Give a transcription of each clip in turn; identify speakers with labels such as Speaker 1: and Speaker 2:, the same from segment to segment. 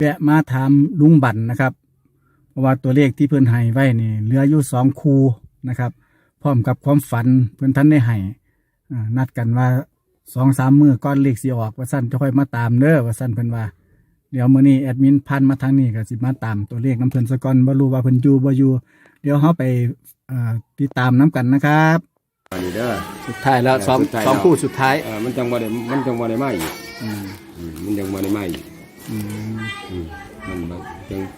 Speaker 1: แวะมาถามลุงบั่นนะครับเพราะว่าตัวเลขที่เพิ่นให้ไว้นี่เหลืออยู่2 คู่นะครับพร้อมกับความฝันเพิ่นท่านได้ให้นัดกันว่า2-3 มื้อก่อนเลขสิออกว่าซั่นจะค่อยมาตามเด้อว่าซั่นเพิ่นว่าเดี๋ยวมื้อนี้แอดมินพันมาทางนี้ก็สิมาตามตัวเลขนำเพิ่นซะก่อนบ่รู้ว่าเพิ่นอยู่บ่อยู่เดี๋ยวเฮาไปติดตามนํกันนะครับ
Speaker 2: อันนี้เด้อ
Speaker 1: สุดท้ายแล้ว2คู่สุดท้าย
Speaker 2: มันจังบ่ได้มาอีกมันจังบ่ได้มาอีกมันจัง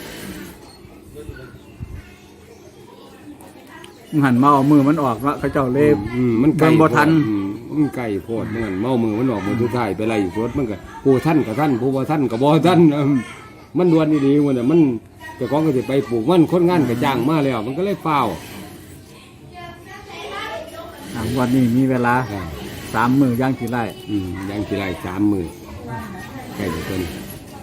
Speaker 1: หันมาเอามือมันออกว่าเขาเจ้าเล่
Speaker 2: มันไกล
Speaker 1: บ่ทัน
Speaker 2: มันไกลโพดมันเมามือมันออกมือสุดท้ายไปไล่สวดมันก็ผู้ท่านกับท่านผู้บ่ท่านกับบ่ท่านมันดวนดีๆมันเจ้าของก็สิไปปลูกมันคนงานก็จ้างมาแล้วมันก็เลยเฝ้า
Speaker 1: วันนี้มีเวลา3 มื้อย่างกี่ไร่
Speaker 2: ย่างกี่ไร่3 มื้อใกล้จะเกิน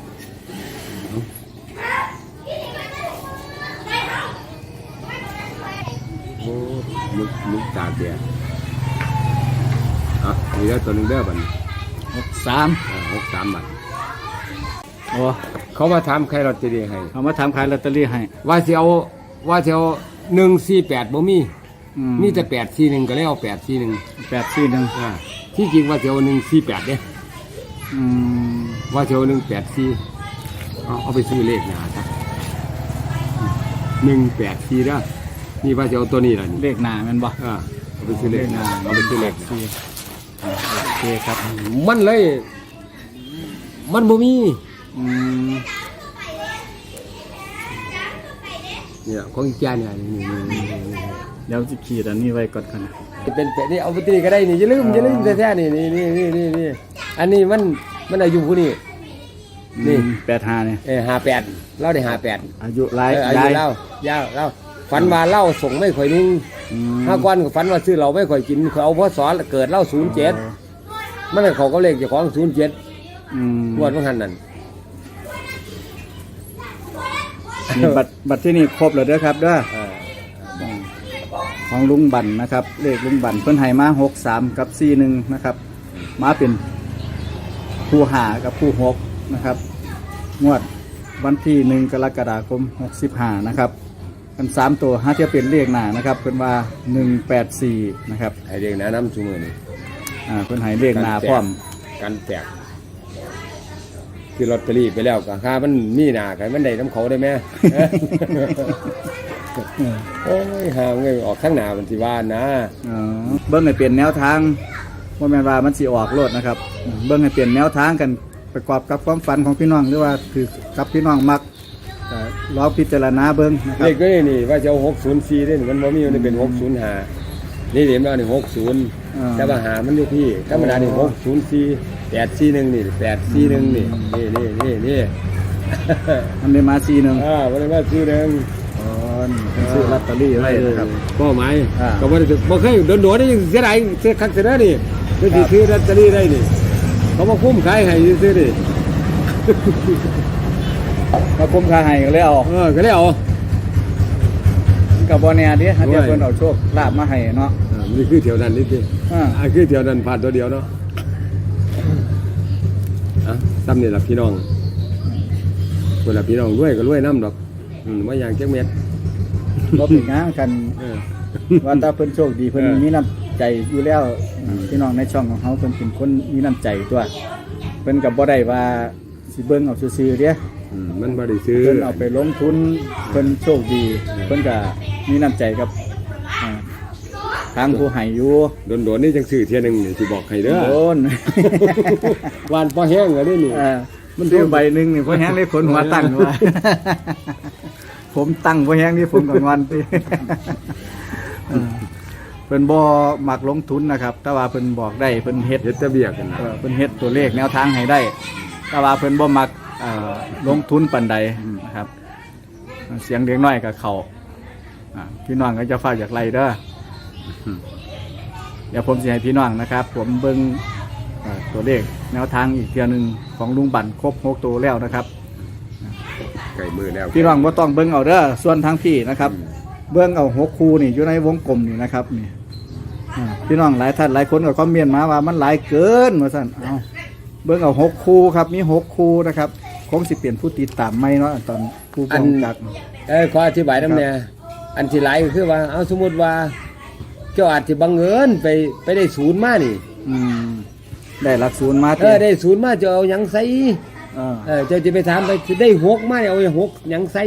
Speaker 2: โอ้มึกตาเดียมีได้ตัวหนึ่งเด้อบัด63บาท
Speaker 1: โอ้
Speaker 2: เขามาถามใครลอตเตอรี่ให้
Speaker 1: เขามาถามขายลอตเตอรี่ให้
Speaker 2: ว่าสิเอา148บ่มีแต่841ก็เลยเอา841ที่จริงว่าสิเอา148เด้ว่าสิเอา184เอาไปซื้อเลขหน้าครับ184เด้อนี่ว่าจะเอาตัวนี้ล่ะนี่
Speaker 1: เลขหน้าแม่นบ่
Speaker 2: เอาไปซื้อเลขหน้าเอาไปซื้อเลข
Speaker 1: โอเคครับ
Speaker 2: มันเลยมันบ่มีเนี่ยของอีกอย่างเนี่ยนี่
Speaker 1: เดี๋ยวจะขีดอันนี้ไว้ก่อนกัน
Speaker 2: เป็นนี่เอาไปตีก็ได้นี่อย่าลืมแท้ๆนี่อันนี้มันอายุผู้นี้
Speaker 1: นี่85นี่
Speaker 2: 58เราได้58
Speaker 1: อายุหลาย
Speaker 2: อายุเล่าฝันว่าเล่าส่งไม่ค่อยนิ่ง5 วันก็ฝันว่าซื้อเราไม่ค่อยกินเขาเอาพศเกิดเล่า07มันเขาก็เลขเจ้าของ07งวดมันหันนั่น
Speaker 1: นี่บัตรที่นี่ครบแล้วเด้อครับเด้อของลุงบั่นนะครับเลขลุงบั่นเพิ่นให้มา63กับ41นะครับมาเป็นคู่5กับคู่6นะครับงวดวันที่1 กรกฎาคม65นะครับกัน3 ตัว5เทียบเป็นเลขหน้านะครับเพิ่นว่า184นะครับ
Speaker 2: ให้เลขหน้านำซุมื้อนี้
Speaker 1: เพิ่นให้เลขหน้าพร้อม
Speaker 2: กันแตกคือลอตเตอรี่ไปแล้วก็ค่ามันมีหน้ากันมันได้น้ำเขาได้มั้ยโอ้ยหาเงินออกข้างหน้ามันสิว่านะ
Speaker 1: เบิ่งให้เปลี่ยนแนวทางบ่แม่นว่ามันสิออกโลดนะครับเบิ่งให้เปลี่ยนแนวทางกันประกอบกับความฝันของพี่น้องหรือว่าคือกับพี่น้องมักลองพิจารณาเบิ่งนะครับ
Speaker 2: เลขนี่ว่าจะเอา604ได้มันบ่มีมันเป็น605นี่เดี๋ยวนี่60แต่ว่าหามันอยู่พี่ธรรมดานี่604 841นี่841นี่
Speaker 1: มันได้มา41
Speaker 2: มันได้มา41
Speaker 1: ซื้อลอตเตอรี่ไว้นะครับ
Speaker 2: ก็หมายก็บ่เคยโดนๆได้ยังเสียดายเสียคักเสียได้นี่ก็สิซื้อลอตเตอรี่ได้นี่เขามาคุ้มขายให้ซื้อดิ
Speaker 1: มาคุ้มค่าให้ก็เลยเอา
Speaker 2: ก็เลยเอา
Speaker 1: กับบ่แน่ดิฮะเดี๋ยวเพิ่นเอาโชคลาภมาให้เนาะ
Speaker 2: นี่คือเที่ยวนั้นนี่ติคือเที่ยวนั้นผ่านตัวเดียวเนาะซ้ำนี่ล่ะพี่น้องคนละพี่น้องรวยก็รวยนำดอกบ่อย่างจักเม็ด
Speaker 1: บ่เป็นงานกันว่าถ้าเพิ่นโชคดีเพิ่นมีน้ำใจอยู่แล้วพี่น้องในช่องของเฮาเพิ่นเป็นคนมีน้ำใจตัวเพิ่นก็บ่ได้ว่าสิเบิ่งเอาซื่อๆเด้
Speaker 2: มันบ่ได้ซื้อ
Speaker 1: เพิ่นเอาไปลงทุนเพิ่นโชคดีเพิ่นก็มีน้ำใจกับทางผู้ให้อยู่
Speaker 2: โดนๆนี่จังซื้อเที่ยนึงนี่สิบอกให้เด้อ
Speaker 1: โดน
Speaker 2: หวานพอแห้งแล้วนี่
Speaker 1: มันซื้อใบนึงนี่พอแห้งได้ผลหัวตั้งว่าผมตั้งพอแห้งนี่ผมก็งอนติเพิ่นบ่มักลงทุนนะครับแต่ว่าเพิ่นบอกได้เพิ่นเฮ็ด
Speaker 2: ระเบียบกัน
Speaker 1: เพิ่นเฮ็ดตัวเลขแนวทางให้ได้แต่ว่าเพิ่นบ่มักลงทุนปานใดนะครับเสียงเด็กน้อยกับเขาพี่น้องก็จะฝากจากไรเด้อเดี๋ยวผมจะให้พี่น้องนะครับผมเบิ่งตัวเลขแนวทางอีกเทียนึงของลุงบั่นครบ6 ตัวแล้วนะครับ
Speaker 2: ไก่มือแล้ว
Speaker 1: พี่น้องบ่ต้องเบิ่งเอาเด้อส่วนทางพี่นะครับเบิ่งเอา6 คู่นี่อยู่ในวงกลมนี่นะครับนี่พี่น้องหลายท่านหลายคนก็คอมเมนต์มาว่ามันหลายเกินว่าซั่นเบิ่งเอา6 คู่ครับมี6 คู่นะครับคงสิเปลี่ยนผู้ติดตามไม่เนาะตอนผู้กำกับ
Speaker 2: ขออธิบายนำเนี่ยอันที่หลายก็คือว่าเอาสมมุติว่าเจ้าอาจสิบังเอิญไปได้ศูนย์มานี่
Speaker 1: ได้หลักศูนย์มา
Speaker 2: ได้ศูนย์มาจะเอาหยังใส่เจ้าจะไปถามไปสิได้6มาเนี่ยเอาหกหยังใส่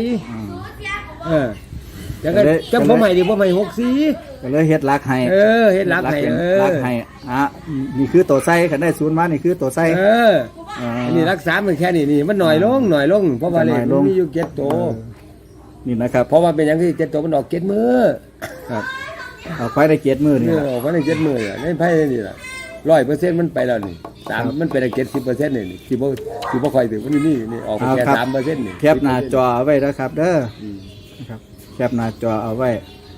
Speaker 2: จังก็จังผมให้ดิผมให้64
Speaker 1: ก็เลยเฮ็ดหลักให้
Speaker 2: เฮ็ดหลักให้
Speaker 1: หลักให้นี่คือตัวไส้คันได้ศูนย์มานี่คือตัวไส้
Speaker 2: อันนี้รักษามันแค่นี้มันหน่อยลงเพราะว่าเลขมันมีอยู่7ตัว
Speaker 1: นี่นะครับ
Speaker 2: เพราะว่าเป็นหยังที่7ตัวมันออก7มื้อ
Speaker 1: ครับเอาไปได้7มื้อนี่
Speaker 2: ออกไปได้7มื้อในไผนี่ล่ะ100%มันไปแล้วนี่3มันไปได้70%นี่ที่บ่ค่อยถึงมันนี่ออกไปแค่ 3% นี่
Speaker 1: แคปหน้าจอไว้นะครับเด้อนะครับแคปหน้าจอเอาไว้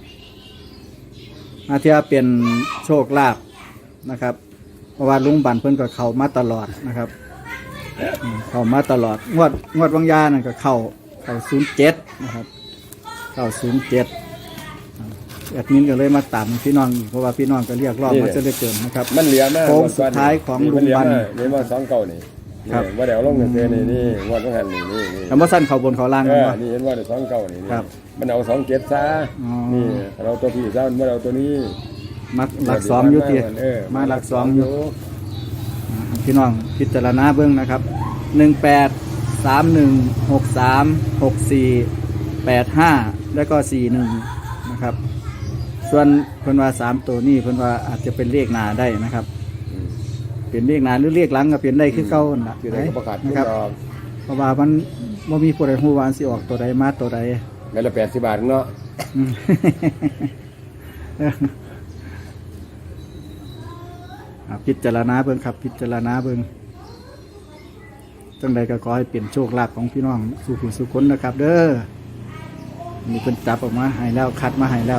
Speaker 1: อาเทียเป็นโชคลาภนะครับเพราะว่าลุงบันเพิ่นก็เข้ามาตลอดนะครับเข้ามาตลอดงวดวังยานั่นก็เข้า07นะครับเข้า07แอดมินก็เลยมาตามพี่น้องเพราะว่าพี่น้องก็เรียกรอบมาจะได้เกินนะครับ
Speaker 2: มันเหลือมาก
Speaker 1: โค้งสุดท้ายของลุงบัน
Speaker 2: นี่ว่า2เก่านี่ครับว่าเดี๋ยวลงเงินเดือนนี่งวดต้องหันนี่
Speaker 1: คำว่าสั้นเขาบนเขาล่าง
Speaker 2: นี่เห็นว่าเดี๋ยว2เก่านี่มันเอา27ซะนี่เราตัวพี่ซะมันเอาตัวนี้
Speaker 1: มาหลัก2อยู่ติมาหลัก2อยู่พี่น้องพิจารณาเบิ่งนะครับ18 31 63 64 85แล้วก็41นะครับส่วนเพิ่นว่า3ตัวนี้เพิ่นว่าอาจจะเป็นเลขหน้าได้นะครับเป็นเลขหน้าหรือเลขหลังก็เป็นได้คือเก่าน่ะนะครับเพราะว่ามันบ่มีผู้ใดฮู้ว่าสิออกตัวใดมาตัวใด
Speaker 2: งั้นละ80 บาทเนาะ
Speaker 1: พิจารณาเบิ่งครับพิจารณาเบิ่งจังใดก็ขอให้เป็นโชคลาภของพี่น้องสู่ผู้สู่คนนะครับเด้อมีเพิ่นจับออกมาให้แล้วคัดมาให้แล้ว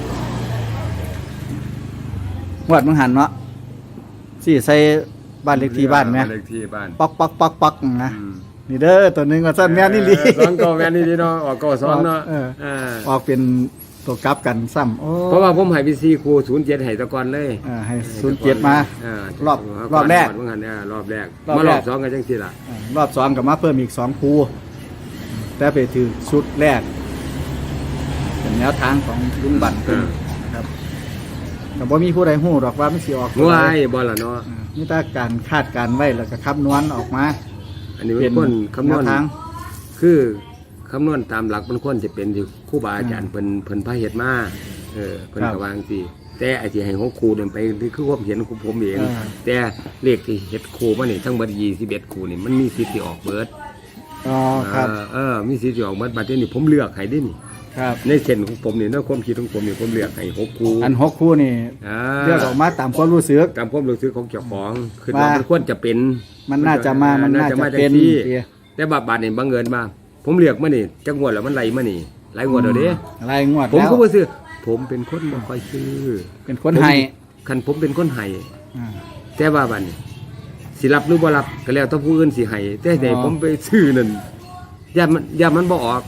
Speaker 1: วดมึงหันเนาะสิใส่บ้านเลขที่บ้านแม่
Speaker 2: เลขที่บ้าน
Speaker 1: ปักนะนี่เด้อตัวนึงว่าซั่นแม่นนี่ลี
Speaker 2: 2เก่าแม่นนี่เนาะออกเก่า2เนาะ
Speaker 1: ออกเป็นตัวกลับกันซ้ำ
Speaker 2: เพราะว่าผมให้พี่4ครู07ให้ตะก่อนเลย
Speaker 1: ให้07มารอบแรก
Speaker 2: มึงหันรอบแรกมารอบ2ก็จังซี่ล่ะ
Speaker 1: รอบ2ก็มาเพิ่มอีก2ครูแต่ไปถือชุดแรกเป็นแนวทางของลุงบันนะครับแต่บ่มีผู้ใดฮู้หรอกว่ามันสิออก
Speaker 2: บ่ล่ะเนาะ
Speaker 1: มีแต่การคาดการไว้แล้วก็คำนวณออกมา
Speaker 2: อันนี้เป็นคนคำนวณทางคือคำนวณตามหลักมันควรจะเป็นที่ครูบาอาจารย์เพิ่นพาเฮ็ดมาเพิ่นก็วางสิแต่ไอ้ที่ให้ของครูเดินไปคือความเห็นของผมเองแต่เลขที่เฮ็ดครูมานี่ทั้งหมด21ครูนี่มันมีสิทธิ์ที่ออกเบิด
Speaker 1: ครับ
Speaker 2: มีสิทธิ์ที่ออกเบิดบัดนี้ผมเลือกให้ดินี่
Speaker 1: ครับ
Speaker 2: ในเส้นของผมนี่ในความคิดของผมนี่ผมเลือกให้6คู่
Speaker 1: อัน6คู่นี่เลือกออกมาตามความรู้สึก
Speaker 2: ของเจ้าของคือว่ามันควรจะเป็น
Speaker 1: มันน่าจะเป็น
Speaker 2: แต่บาดนี่บังเอิญมาผมเลือกมานี่จักงวดแล้วมันไหลมานี่หลายงวดแล้วเด้
Speaker 1: หลายงวด
Speaker 2: ผมก็บ่ซื้อผมเป็นคนบ่ค่อยซื้อ
Speaker 1: เป็นคนให้
Speaker 2: คันผมเป็นคนให้แต่ว่าบัดนี้สิรับหรือบ่รับก็แล้วแต่ผู้อื่นสิให้แต่ใดผมไปซื้อนั่นย่ามันบ่ออก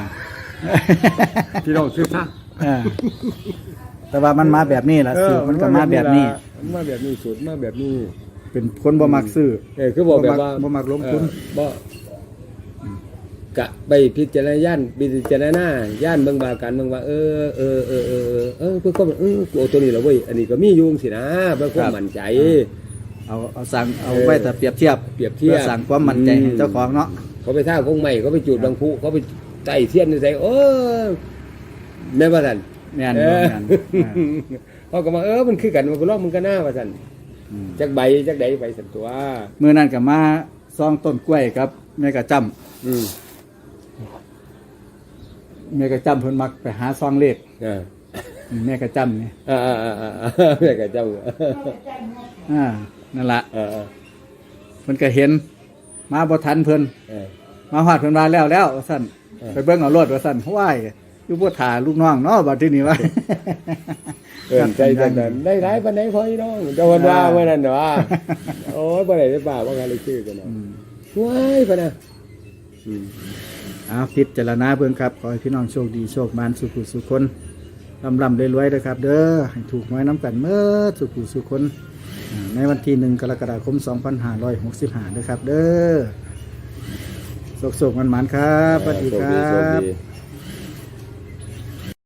Speaker 2: พี่น้องซื้อซะ
Speaker 1: แต่ว่ามันมาแบบนี้ล่ะสูตรมันก็มาแบบนี้
Speaker 2: สูตรมาแบบนี้
Speaker 1: เป็นคนบ่มักซื้อ
Speaker 2: คือบอกแบบว่า
Speaker 1: บ่มักลงทุน
Speaker 2: บ่กะไปพิจารณาย่านเบิ่งบากันเบิ่งว่าเพื่อความกูเอาตัวนี้แล้วเว้ยอันนี้ก็มีอยู่สินะเพื่อความมั่นใจ
Speaker 1: เอาสั่งเอาไว้แต่เปรียบเทียบสั่งความมั่นใจให้เจ้าของเนาะ
Speaker 2: เขาไปท่าคงใหม่เขาไปจุดบางผู้เขาไปไต่เทียนใส่แม่ว่าซั่น
Speaker 1: แม่น
Speaker 2: เขาก็มามันคือกันมันก็ลอกมันก็น่าว่าซั่นจักใบจักใดไปสั่นตัว
Speaker 1: มื้อนั้นก็มาซองต้นกล้วยครับแม่กะจำแม่กะจำเพิ่นมักไปหาซองเลขแม่กะจำนี่
Speaker 2: แม่กะจ
Speaker 1: ำนั่นล่ะเพิ่นก็เห็นมาบ่ทันเพิ่นมาฮอดเพิ่นว่าแล้วว่าซั่นไปเบิ่งเอารถว่าซั่นว้ายอยู่บ่ท่าลูกน้องเนาะบัดทีนี้ว่า
Speaker 2: ใจจังนั้นได้หลายปานใดพออีน้องเจ้าวันว่าเมื่อนั้นว่าโอ้ยบ่ได้ป่าว่ากันเลยชื่อกันเนาะว้ายปะนะ
Speaker 1: พิจารณาเบิ่งครับขอให้พี่น้องโชคดีโชคมานสุขสุขคนร่ำรวยๆนะครับเด้อให้ถูกหวยน้ำกันเมื่อสุขสุขคนในวันที่1 กรกฎาคม 2565นะครับเด้อสุขๆมันๆครับสวัสดีครั
Speaker 2: โชค
Speaker 1: บ
Speaker 2: ดี